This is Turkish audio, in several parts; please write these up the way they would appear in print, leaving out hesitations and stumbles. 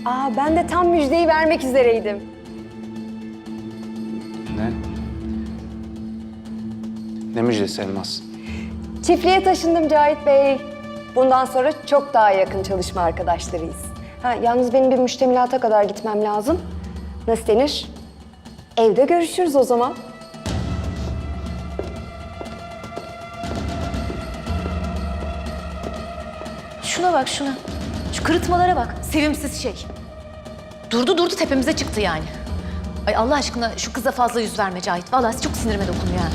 Ben de tam müjdeyi vermek üzereydim. Ne? Ne müjdesi Elmas? Çiftliğe taşındım Cahit Bey. Bundan sonra çok daha yakın çalışma arkadaşlarıyız. Yalnız benim bir müştemilata kadar gitmem lazım. Nasıl denir? Evde görüşürüz o zaman. Şuna bak şuna. Şu kırıtmalara bak. Sevimsiz şey. Durdu tepemize çıktı yani. Ay Allah aşkına şu kıza fazla yüz verme Cahit. Vallahi çok sinirime dokunuyor yani.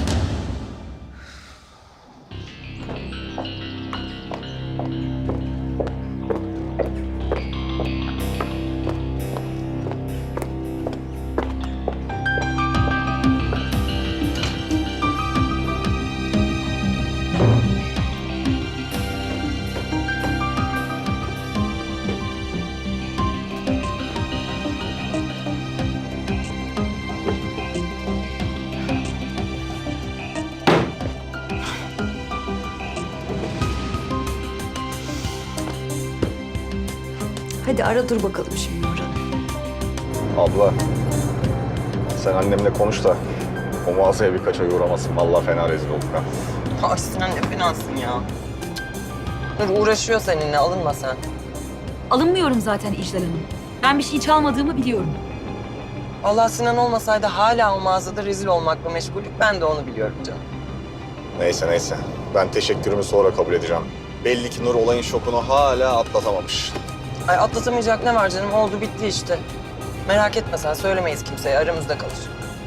Hadi ara dur bakalım şimdi Nurhan'ı. Abla, sen annemle konuş da o mağazaya birkaç ay uğramasın. Vallahi fena rezil olduk ha. Ay Sinan ne fenasın ya. Dur uğraşıyor seninle, alınma sen. Alınmıyorum zaten İclal Hanım. Ben bir şey çalmadığımı biliyorum. Allah Sinan olmasaydı hala o mağazada rezil olmakla meşguldük. Ben de onu biliyorum canım. Neyse. Ben teşekkürümü sonra kabul edeceğim. Belli ki Nur olayın şokunu hala atlatamamış. Ay atlatamayacak ne var canım? Oldu bitti işte. Merak etme sen, söylemeyiz kimseye. Aramızda kalır.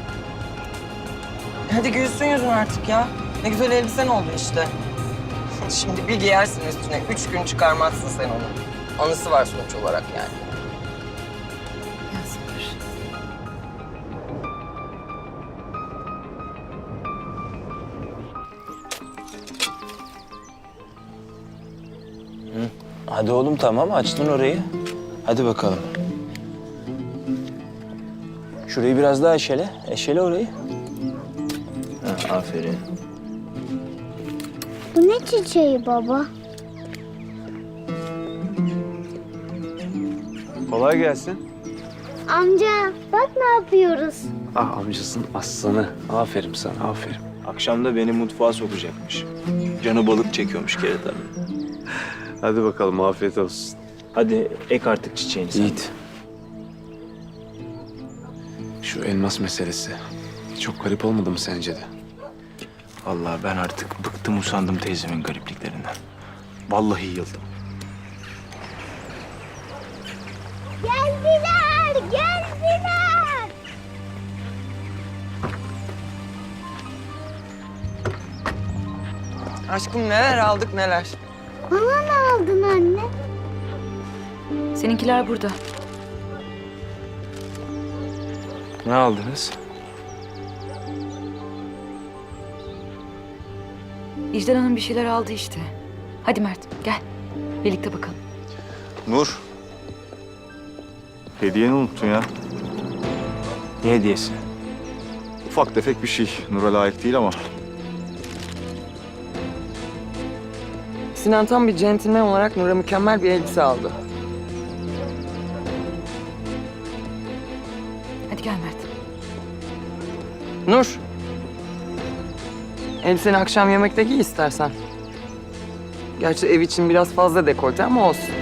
Hadi gülsün yüzün artık ya. Ne güzel elbisen oldu işte. Şimdi bir giyersin üstüne. 3 gün çıkarmazsın sen onu. Anısı var sonuç olarak yani. Ya sabır. Hadi oğlum tamam açtın orayı. Hadi bakalım. Şurayı biraz daha eşele. Eşele orayı. Ha, aferin. Bu ne çiçeği baba? Kolay gelsin. Amca bak ne yapıyoruz. Ah amcasının aslanı. Aferin sana, aferin. Akşam da beni mutfağa sokacakmış. Canı balık çekiyormuş kerata. Hadi bakalım, afiyet olsun. Hadi ek artık çiçeğini sen. Yiğit. Şu elmas meselesi. Çok garip olmadı mı sence de? Vallahi ben artık bıktım usandım teyzemin garipliklerinden. Vallahi yıldım. Geldiler. Aşkım neler aldık neler. Bana ne aldın anne? Seninkiler burada. Ne aldınız? İclal Hanım bir şeyler aldı işte. Hadi Mert gel. Birlikte bakalım. Nur. Hediyeni unuttun ya. Ne hediyesi? Ufak tefek bir şey. Nur'a layık değil ama. Sinan tam bir centilmen olarak Nur'a mükemmel bir elbise aldı. Hadi gel Mert. Nur. Elbiseni akşam yemekte giy istersen. Gerçi ev için biraz fazla dekolte ama olsun.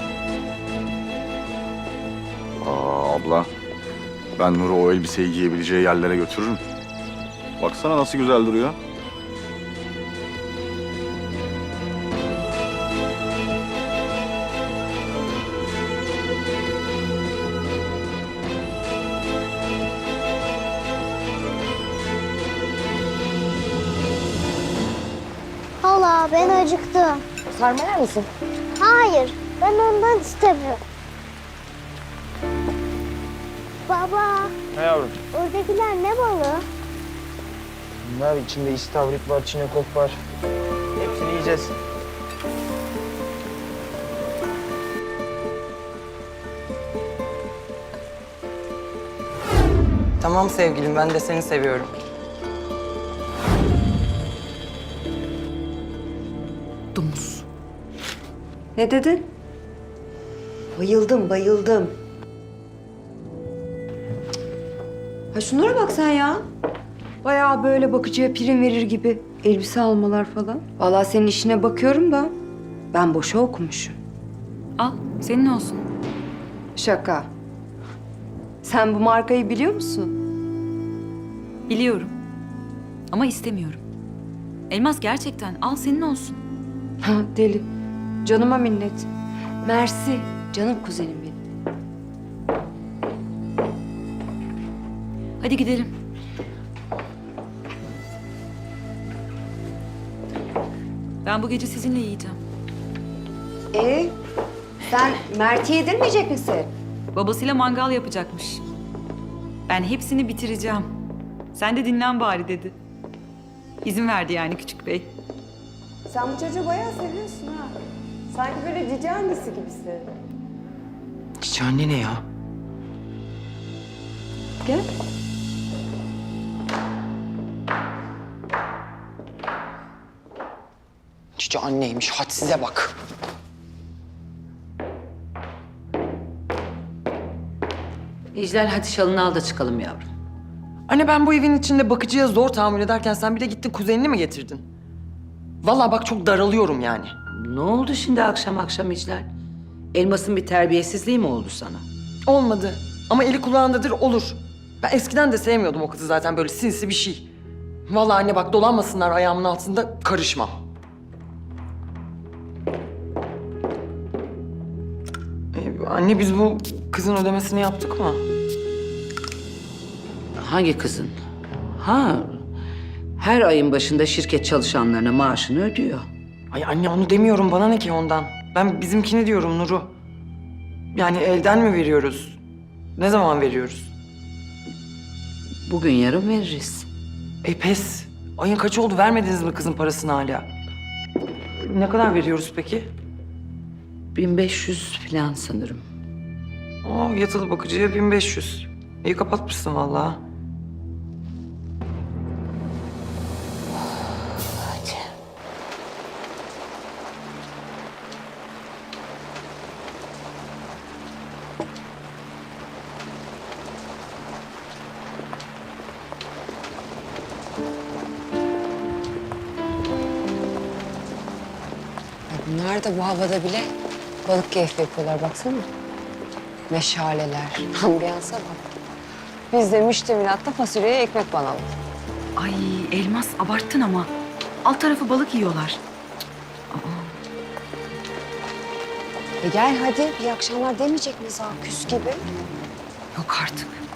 Abla, ben Nur'u o elbiseyi giyebileceği yerlere götürürüm. Baksana nasıl güzel duruyor. Hala ben acıktım. Sarma yer misin? Hayır ben ondan istemiyorum. Baba Ne yavrum? oradakiler ne balığı? Bunlar içinde istavrit var, çinekop var. Hepsini yiyeceğiz. Tamam sevgilim, ben de seni seviyorum. Domuz. Ne dedin? Bayıldım. Ha şunlara bak sen ya. Bayağı böyle bakıcıya prim verir gibi elbise almalar falan. Vallahi senin işine bakıyorum da ben boşa okumuşum. Al, senin olsun. Şaka. Sen bu markayı biliyor musun? Biliyorum. Ama istemiyorum. Elmas gerçekten al, senin olsun. Ha deli. Canıma minnet. Mersi. Canım kuzenim benim. Hadi gidelim. Ben bu gece sizinle yiyeceğim. Sen Mert'i yedirmeyecek misin? Babasıyla mangal yapacakmış. Ben hepsini bitireceğim. Sen de dinlen bari dedi. İzin verdi yani küçük bey. Sen bu çocuğu bayağı seviyorsun ha. Sanki böyle cici annesi gibisin. Cici anne ne ya? Gel. Cici anneymiş, hadsize bak. İclal hadi şalını al da çıkalım yavrum. Anne ben bu evin içinde bakıcıya zor tahammül ederken sen bir de gittin kuzenini mi getirdin? Vallahi bak çok daralıyorum yani. Ne oldu şimdi akşam akşam İclal? Elmas'ın bir terbiyesizliği mi oldu sana? Olmadı ama eli kulağındadır olur. Ben eskiden de sevmiyordum o kızı zaten böyle sinsi bir şey. Vallahi anne bak dolanmasınlar ayağımın altında karışmam. Anne biz bu kızın ödemesini yaptık mı? Hangi kızın? Ha, her ayın başında şirket çalışanlarına maaşını ödüyor. Ay anne onu demiyorum bana ne ki ondan. Ben bizimkini diyorum Nur'u. Yani elden mi veriyoruz? Ne zaman veriyoruz? Bugün yarın veririz. Pes. Ayın kaçı oldu vermediniz mi kızın parasını hala? Ne kadar veriyoruz peki? 1500 falan sanırım. Yatılı bakıcıya 1500. İyi kapatmışsın vallahi. Bunlar da bu havada bile balık keyfi yapıyorlar baksana. Meşaleler, ambiyansa bak. Biz de müştemilatta fasulyeye ekmek banalım. Ay Elmas abarttın ama. Alt tarafı balık yiyorlar. Gel hadi, iyi akşamlar demeyecek miyiz ha küs gibi? Yok artık.